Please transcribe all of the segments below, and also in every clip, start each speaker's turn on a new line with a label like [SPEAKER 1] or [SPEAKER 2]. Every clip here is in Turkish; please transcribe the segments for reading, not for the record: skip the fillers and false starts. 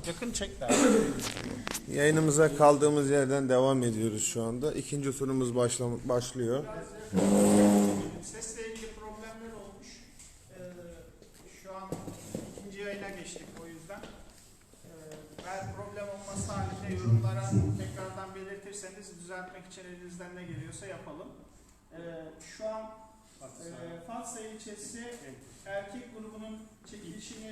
[SPEAKER 1] Yakın çek der.
[SPEAKER 2] Yayınımıza kaldığımız yerden devam ediyoruz şu anda. İkinci turumuz başlıyor.
[SPEAKER 1] Sesle ilgili problemler olmuş. Şu an ikinci yayına geçtik o yüzden. Eğer problem olması halinde yorumlara tekrardan belirtirseniz düzeltmek için elinizden ne geliyorsa yapalım. Şu an Fatsa ilçesi erkek grubunun çekilişini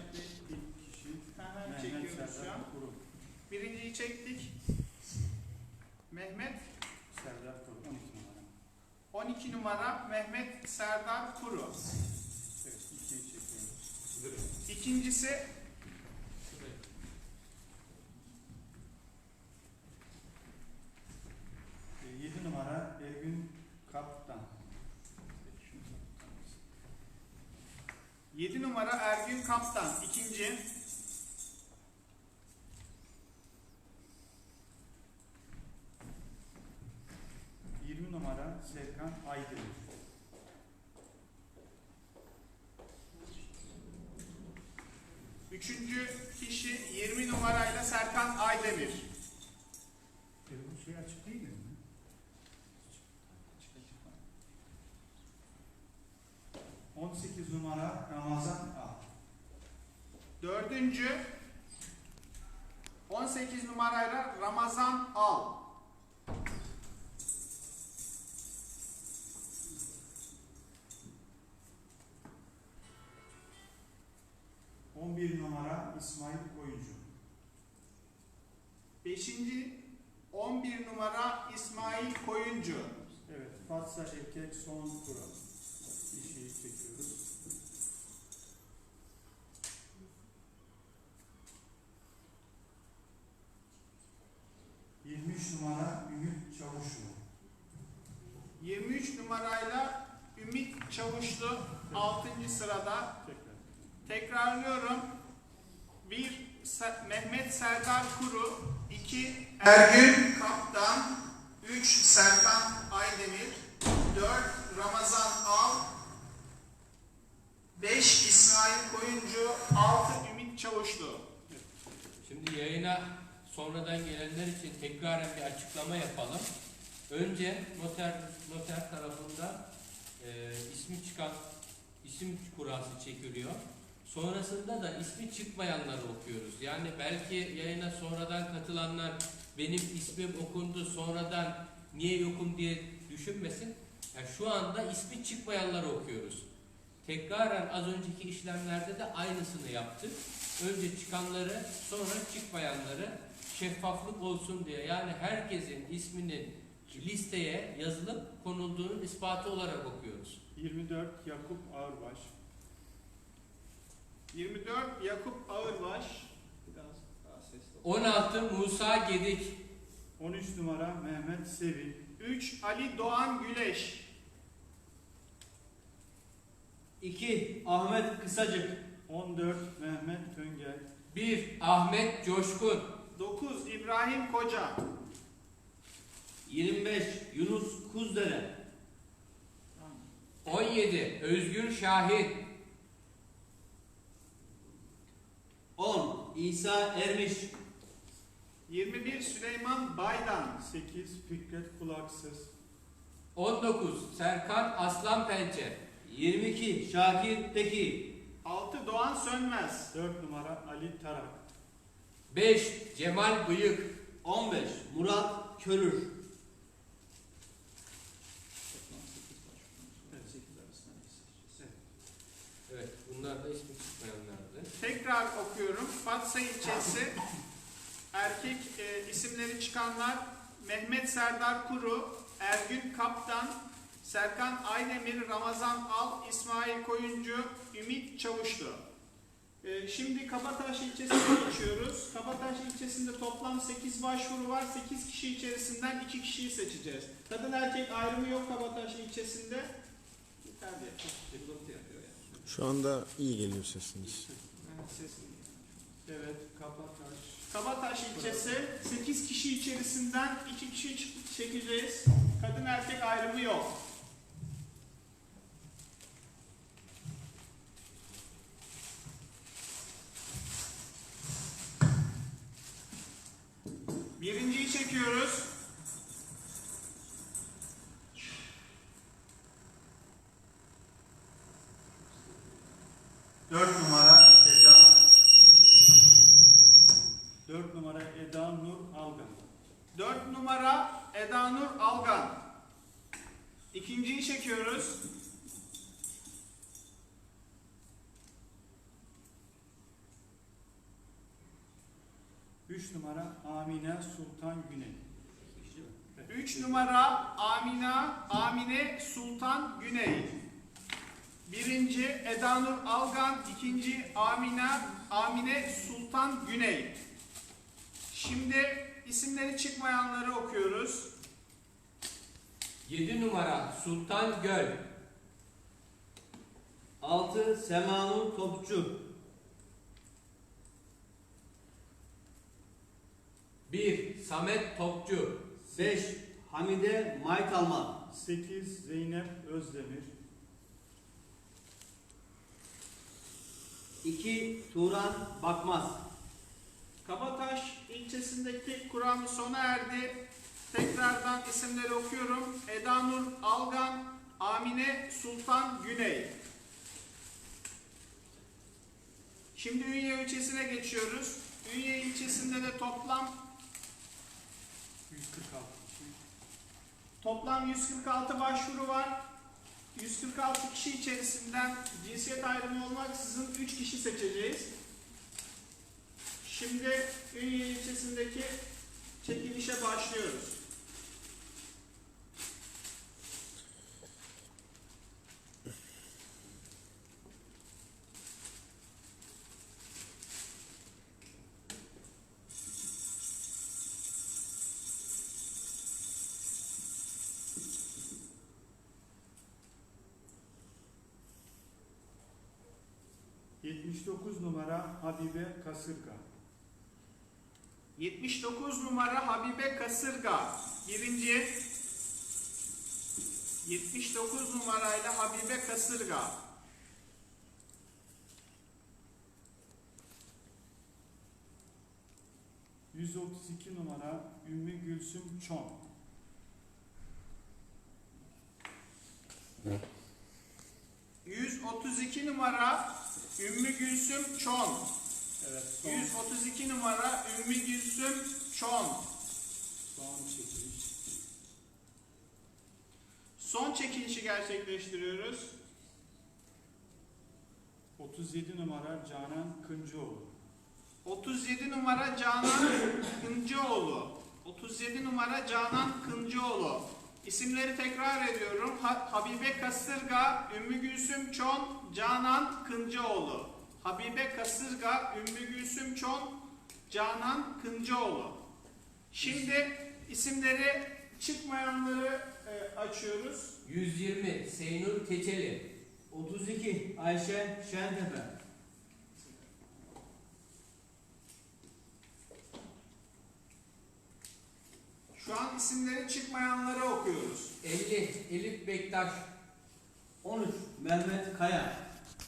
[SPEAKER 1] çekiyoruz şu an. Birinciyi çektik. Mehmet
[SPEAKER 3] Serdar Kuru 12 numara.
[SPEAKER 1] 12 numara Mehmet Serdar Kuru.
[SPEAKER 3] Evet, ikiyi çekiyoruz.
[SPEAKER 1] İkincisi
[SPEAKER 3] E, 7 numara Ergün Kaptan.
[SPEAKER 1] 7 numara Ergün Kaptan. İkinci.
[SPEAKER 3] Numara Serkan Aydemir.
[SPEAKER 1] Üçüncü kişi 20 numarayla Serkan Aydemir.
[SPEAKER 3] Bu şey açık değil mi? 18 numara Ramazan A.
[SPEAKER 1] Dördüncü 18 numarayla Ramazan Al.
[SPEAKER 3] 11 numara İsmail Koyuncu.
[SPEAKER 1] 5. 11 numara İsmail Koyuncu.
[SPEAKER 3] Evet, Fatsa erkek son kural. İşi çekiyoruz. 23 numara Ümit Çavuşlu.
[SPEAKER 1] 23 numarayla Ümit Çavuşlu 6. sırada. Tekrarlıyorum. 1 Mehmet Serdar Kuru, 2 Ergün Kaptan, 3 Serkan Aydemir, 4 Ramazan Al, 5 İsmail Koyuncu, 6 Ümit Çavuşlu.
[SPEAKER 4] Şimdi yayına sonradan gelenler için tekraren bir açıklama yapalım. Önce noter tarafından ismi çıkan isim kurası çekiliyor. Sonrasında da ismi çıkmayanları okuyoruz. Yani belki yayına sonradan katılanlar benim ismim okundu sonradan niye yokum diye düşünmesin. Yani şu anda ismi çıkmayanları okuyoruz. Tekraren az önceki işlemlerde de aynısını yaptık. Önce çıkanları sonra çıkmayanları şeffaflık olsun diye, yani herkesin isminin listeye yazılıp konulduğunun ispatı olarak okuyoruz.
[SPEAKER 3] 24 Yakup Ağırbaş.
[SPEAKER 1] 24 Yakup Ağırbaş.
[SPEAKER 4] 16 Musa Gedik.
[SPEAKER 3] 13 numara Mehmet Sevil.
[SPEAKER 1] 3 Ali Doğan Güleş.
[SPEAKER 5] 2 Ahmet Kısacık.
[SPEAKER 3] 14 Mehmet Töngel.
[SPEAKER 4] 1 Ahmet Coşkun.
[SPEAKER 1] 9 İbrahim Koca.
[SPEAKER 5] 25 Yunus Kuzdere.
[SPEAKER 4] 17 Özgür Şahin.
[SPEAKER 5] 10 İsa Ermiş.
[SPEAKER 1] 21 Süleyman Baydan.
[SPEAKER 3] 8 Fikret Kulaksız.
[SPEAKER 4] 19 Serkan Aslanpençe.
[SPEAKER 5] 22 Şakir Teki.
[SPEAKER 1] 6 Doğan Sönmez.
[SPEAKER 3] 4 numara Ali Tarak.
[SPEAKER 4] 5 Cemal Bıyık.
[SPEAKER 5] 15 Murat Körür.
[SPEAKER 4] Evet, bunlar da ismi çıkmayanlardı.
[SPEAKER 1] Tekrar okuyorum. Fatsa ilçesi erkek isimleri çıkanlar Mehmet Serdar Kuru, Ergün Kaptan, Serkan Aydemir, Ramazan Al, İsmail Koyuncu, Ümit Çavuşlu. Şimdi Kabataş ilçesine geçiyoruz. Kabataş ilçesinde toplam 8 başvuru var. 8 kişi içerisinden 2 kişiyi seçeceğiz. Kadın erkek ayrımı yok Kabataş ilçesinde.
[SPEAKER 2] Şu anda iyi geliyor sesiniz.
[SPEAKER 3] Evet, Kabataş.
[SPEAKER 1] Kabataş ilçesi 8 kişi içerisinden 2 kişi çekeceğiz. Kadın erkek ayrımı yok. Birinciyi çekiyoruz.
[SPEAKER 3] Dört numara Eda Nur Algan.
[SPEAKER 1] 4 numara Eda Nur Algan. İkinciyi çekiyoruz.
[SPEAKER 3] Üç numara Amine Sultan Güney.
[SPEAKER 1] 3 numara Amine Sultan Güney. Birinci Eda Nur Algan, ikinci Amine Sultan Güney. Şimdi isimleri çıkmayanları okuyoruz.
[SPEAKER 4] 7 numara Sultan Göl.
[SPEAKER 5] 6. Semanur Topçu.
[SPEAKER 4] 1. Samet Topçu.
[SPEAKER 5] 5. Hamide Maytalman.
[SPEAKER 3] 8 Zeynep Özdemir.
[SPEAKER 5] 2. Turan Bakmaz.
[SPEAKER 1] Kabataş ilçesindeki kuram sona erdi. Tekrardan isimleri okuyorum. Eda Nur Algan, Amine Sultan Güney. Şimdi Ünye ilçesine geçiyoruz. Ünye ilçesinde de toplam 146 başvuru var. 146 kişi içerisinden cinsiyet ayrımı olmaksızın 3 kişi seçeceğiz. Şimdi Ünye ilçesindeki çekilişe başlıyoruz.
[SPEAKER 3] ...79 numara Habibe Kasırga.
[SPEAKER 1] 79 numara Habibe Kasırga. Birinci. 79 numarayla Habibe Kasırga.
[SPEAKER 3] 132 numara Ümmü Gülsüm Çon.
[SPEAKER 1] 132 numara Ümmü Gülsüm Çon.
[SPEAKER 3] Evet,
[SPEAKER 1] 132 numara Ümmü Gülsüm Çon.
[SPEAKER 3] son çekiliş.
[SPEAKER 1] Son çekilişi gerçekleştiriyoruz.
[SPEAKER 3] 37 numara Canan Kıncıoğlu.
[SPEAKER 1] 37 numara Canan Kıncıoğlu. 37 numara Canan Kıncıoğlu. İsimleri tekrar ediyorum. Habibe Kasırga, Ümmü Gülsüm Çon, Canan Kıncıoğlu. Habibe Kasırga, Ümmü Gülsüm Çon, Canan Kıncıoğlu. Şimdi isimleri çıkmayanları açıyoruz.
[SPEAKER 4] 120 Seynur Keçeli.
[SPEAKER 5] 32. Ayşe Şentepe.
[SPEAKER 1] Şu an isimleri çıkmayanları okuyoruz.
[SPEAKER 4] 50 Elif Bektaş.
[SPEAKER 5] 13. Mehmet Kaya.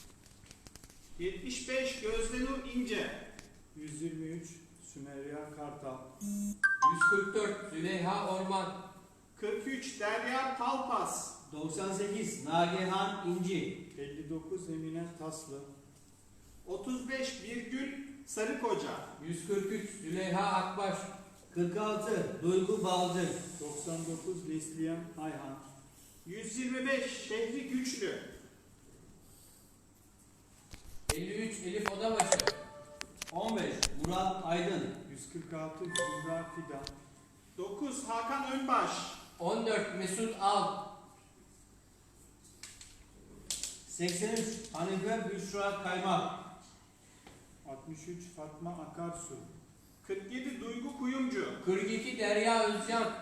[SPEAKER 1] 75 Gözdenur İnce.
[SPEAKER 3] 123 Sümeyra Kartal.
[SPEAKER 4] 144 Züleyha Orman.
[SPEAKER 1] 43 Derya Talpas.
[SPEAKER 5] 98. Nagihan İnci.
[SPEAKER 3] 59 Emine Taslı.
[SPEAKER 1] 35 Birgül Sarıkoca.
[SPEAKER 4] 143 Züleyha Akbaş.
[SPEAKER 5] 46. Duygu Balcı.
[SPEAKER 3] 99 Neslihan Ayhan.
[SPEAKER 1] 125 Şehri Güçlü.
[SPEAKER 4] 53 Elif Odabaşı.
[SPEAKER 5] 15. Murat Aydın.
[SPEAKER 3] 146 Zümra Fidan.
[SPEAKER 1] 9 Hakan Önbaş.
[SPEAKER 4] 14 Mesut Al.
[SPEAKER 5] 83. Hanife Büşra Kaymak.
[SPEAKER 3] 63 Fatma Akarsu.
[SPEAKER 1] 47 Duygu Kuyumcu.
[SPEAKER 4] 42 Derya Özcan.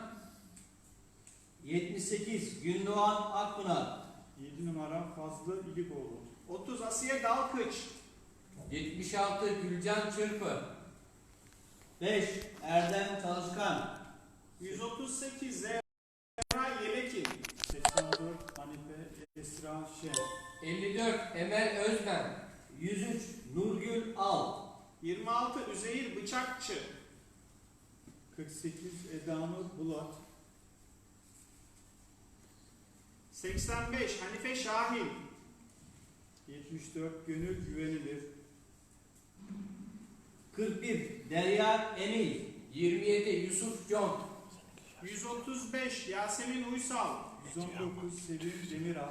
[SPEAKER 5] 78. Gündoğan Akpınar.
[SPEAKER 3] 7 numara Fazlı İlikoğlu.
[SPEAKER 1] 30 Asiye Dalkıç.
[SPEAKER 4] 76 Gülcan Çırpı.
[SPEAKER 5] 5. Erdem Çalışkan.
[SPEAKER 1] 138 Zehra Yelekin.
[SPEAKER 3] 84 Hanife Esra Şen.
[SPEAKER 4] 54 Emel Özmen.
[SPEAKER 5] 103. Nurgül Al.
[SPEAKER 1] 26 Üzeyir Bıçakçı.
[SPEAKER 3] 48 Edanur Bulat.
[SPEAKER 1] 85 Hanife Şahin.
[SPEAKER 3] 74 Gönül Güvenilir.
[SPEAKER 5] 41 Derya Emil.
[SPEAKER 4] 27 Yusuf Con.
[SPEAKER 1] 135 Yasemin Uysal.
[SPEAKER 3] 119 Sevim Demiral.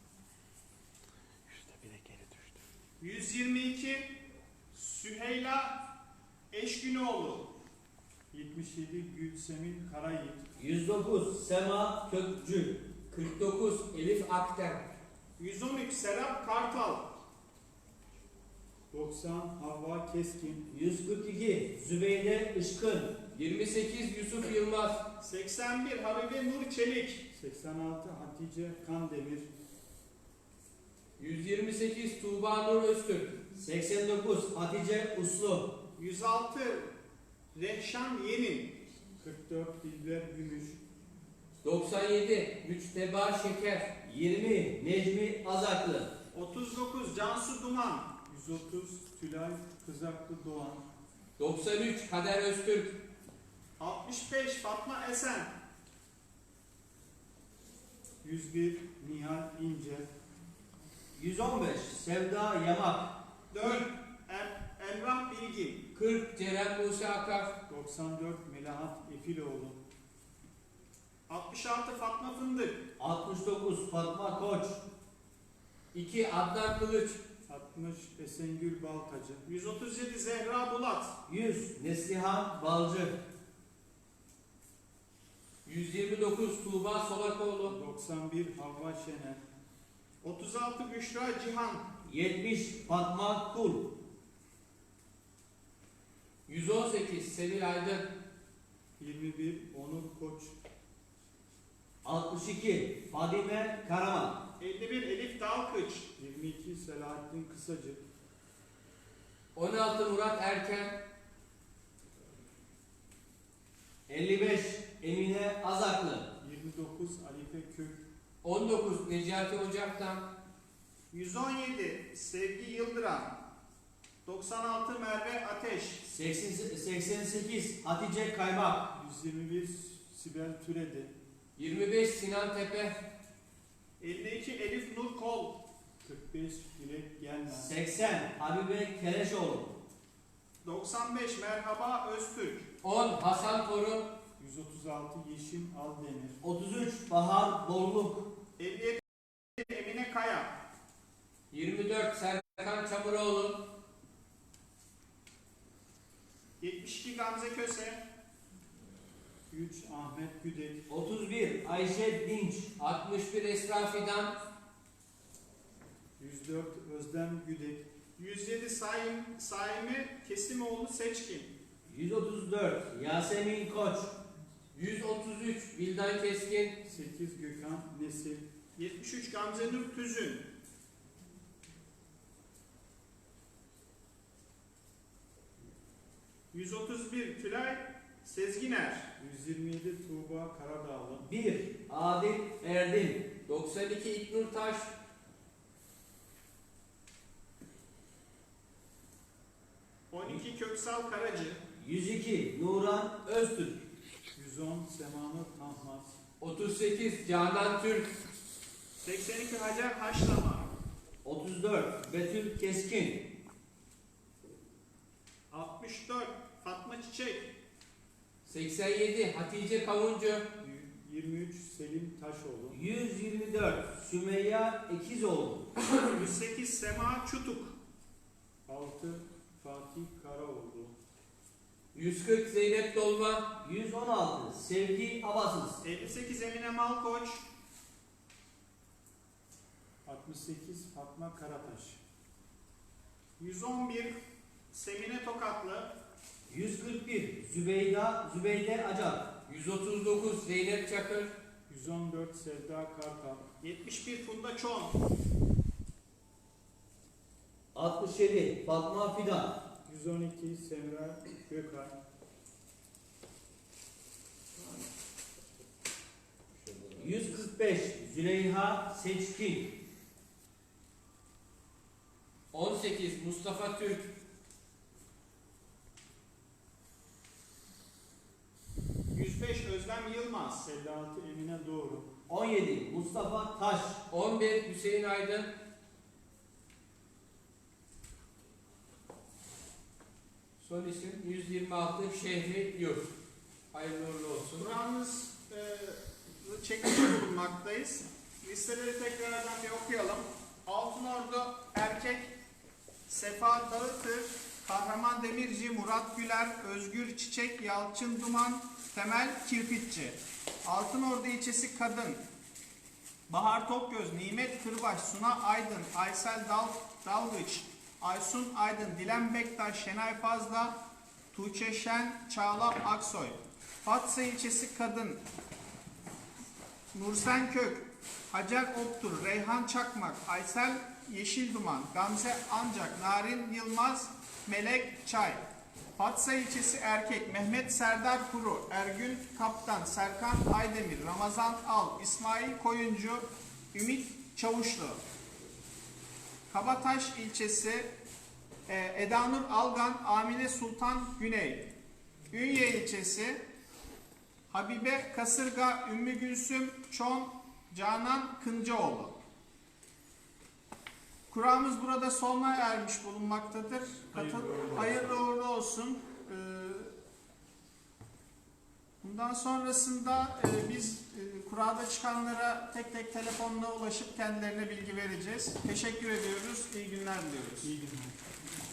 [SPEAKER 1] 122 Süheyla Eşgünoğlu.
[SPEAKER 3] 77 Gülsemin Karayit.
[SPEAKER 5] 109 Sema Kökçü.
[SPEAKER 4] 49 Elif Akten.
[SPEAKER 1] 113 Serap Kartal.
[SPEAKER 3] 90 Havva Keskin.
[SPEAKER 5] 142 Zübeyde Işkın.
[SPEAKER 4] 28 Yusuf Yılmaz.
[SPEAKER 1] 81 Habibe Nur Çelik.
[SPEAKER 3] 86 Hatice Kandemir.
[SPEAKER 4] 128 Tuğba Nur Öztürk.
[SPEAKER 5] 89 Hatice Uslu.
[SPEAKER 1] 106 Rehşan Yenin.
[SPEAKER 3] 44 Dilber Gümüş.
[SPEAKER 4] 97 Müçteba Şeker.
[SPEAKER 5] 20 Necmi Azaklı.
[SPEAKER 1] 39 Cansu Duman.
[SPEAKER 3] 130 Tülay Kızaklı Doğan.
[SPEAKER 4] 93 Kader Öztürk.
[SPEAKER 1] 65 Fatma Esen.
[SPEAKER 3] 101 Nihal İnce.
[SPEAKER 5] 115 Sevda Yamak.
[SPEAKER 1] 4 Emrah Bilgin.
[SPEAKER 4] 40 Ceren Buse Akar.
[SPEAKER 3] 94 Melahat Efiloğlu.
[SPEAKER 1] 66 Fatma Fındık.
[SPEAKER 5] 69 Fatma Koç.
[SPEAKER 4] 2 Adnan Kılıç.
[SPEAKER 3] 60 Esengül Baltacı.
[SPEAKER 1] 137 Zehra Bulat.
[SPEAKER 5] 100 Neslihan Balcı.
[SPEAKER 4] 129 Tuğba Solakoğlu.
[SPEAKER 3] 91 Havva Şener.
[SPEAKER 1] 36 Büşra Cihan.
[SPEAKER 5] 70 Fatma Kul.
[SPEAKER 4] 118 Sevil Aydın.
[SPEAKER 3] 21 Onur Koç.
[SPEAKER 5] 62 Fadime Karaman.
[SPEAKER 1] 51 Elif Dalkıç.
[SPEAKER 3] 22 Selahattin Kısacı.
[SPEAKER 4] 16 Murat Erken.
[SPEAKER 5] 55 Emine Azaklı.
[SPEAKER 3] 29 Alife Kök.
[SPEAKER 4] 19 Necati Ocak'tan.
[SPEAKER 1] 117 Sevgi Yıldıran. 96 Merve Ateş.
[SPEAKER 5] 88 Hatice Kaymak.
[SPEAKER 3] 121 Sibel Türedi.
[SPEAKER 4] 25 Sinan Tepe.
[SPEAKER 1] 52 Elif Nur Kol.
[SPEAKER 3] 45 Dilek Gelmez.
[SPEAKER 5] 80 Habibe Keleşoğlu.
[SPEAKER 1] 95 Merhaba Öztürk.
[SPEAKER 4] 10 Hasan Torun.
[SPEAKER 3] 136 Yeşim Aldemir.
[SPEAKER 5] 33 Bahar Bolluk.
[SPEAKER 1] 57 Emine Kaya.
[SPEAKER 4] 24 Serkan Çamuroğlu.
[SPEAKER 1] 72 Gamze Köse.
[SPEAKER 3] 3 Ahmet Güdek.
[SPEAKER 5] 31 Ayşe Dinç.
[SPEAKER 4] 61 Esra Fidan.
[SPEAKER 3] 104 Özlem Güdek.
[SPEAKER 1] 107 Saimi Kesimoğlu Seçkin.
[SPEAKER 5] 134 Yasemin Koç.
[SPEAKER 4] 133 Vildan Keskin.
[SPEAKER 3] 8 Gökhan Nesil.
[SPEAKER 1] 73 Gamze Nur Tüzün. 131 Tülay Sezginer.
[SPEAKER 3] 127 Tuğba Karadağlı.
[SPEAKER 5] 1 Adil Erdin.
[SPEAKER 4] 92 İknur Taş.
[SPEAKER 1] 12 Köksal Karacı.
[SPEAKER 5] 102 Nuran Öztürk.
[SPEAKER 3] 110 Semanur Tahmaz.
[SPEAKER 4] 38 Canan Türk.
[SPEAKER 1] 82 Hacer Haşlama.
[SPEAKER 5] 34 Betül Keskin.
[SPEAKER 1] 64 Fatma Çiçek.
[SPEAKER 4] 87 Hatice Kavuncu.
[SPEAKER 3] 23 Selim Taşoğlu.
[SPEAKER 5] 124 Sümeyya Ekizoğlu.
[SPEAKER 1] 108 Sema Çutuk.
[SPEAKER 3] 6 Fatih Karaoğlu.
[SPEAKER 4] 140 Zeynep Dolma.
[SPEAKER 5] 116 Sevgi Abasız.
[SPEAKER 1] 58 Emine Malkoç.
[SPEAKER 3] 68 Fatma Karataş.
[SPEAKER 1] 111 Semine Tokatlı.
[SPEAKER 5] 141 Zübeyde Acar.
[SPEAKER 4] 139 Zeynep Çakır.
[SPEAKER 3] 114 Sevda Kartal.
[SPEAKER 1] 71 Funda Çon.
[SPEAKER 5] 67 Fatma Fidan.
[SPEAKER 3] 112 Semra Gökay.
[SPEAKER 5] 145 Züleyha Seçkin.
[SPEAKER 4] 18 Mustafa Türk.
[SPEAKER 1] Yılmaz.
[SPEAKER 3] 56 Emine Doğru.
[SPEAKER 5] 17 Mustafa Taş.
[SPEAKER 4] 11 Hüseyin Aydın. Son isim 126 Şehri Yurt. Hayırlı uğurlu olsun.
[SPEAKER 1] Kur'an'ımız çekmiş bulunmaktayız. Listeleri tekrardan bir okuyalım. Altınordu erkek Sefa Dağıtır, Kahraman Demirci, Murat Güler, Özgür Çiçek, Yalçın Duman, Temel Kirpitçi. Altınordu ilçesi kadın Bahar Tokgöz, Nimet Kırbaş, Suna Aydın, Aysel Dalgıç, Aysun Aydın, Dilan Bektaş, Şenay Fazla, Tuğçe Şen, Çağla Aksoy. Fatsa ilçesi kadın Nursen Kök, Hacer Oktur, Reyhan Çakmak, Aysel Yeşilduman, Gamze Ancak, Narin Yılmaz, Melek Çay. Fatsa ilçesi erkek Mehmet Serdar Kuru, Ergün Kaptan, Serkan Aydemir, Ramazan Al, İsmail Koyuncu, Ümit Çavuşlu. Kabataş ilçesi Edanur Algan, Amine Sultan Güney. Ünye ilçesi Habibe Kasırga, Ümmü Gülsüm Çon, Canan Kıncaoğlu. Kur'an'ımız burada sonuna ermiş bulunmaktadır. Hayırlı uğurlu olsun. Bundan sonrasında biz Kur'an'da çıkanlara tek tek telefonla ulaşıp kendilerine bilgi vereceğiz. Teşekkür ediyoruz. İyi günler diliyoruz.
[SPEAKER 3] İyi günler.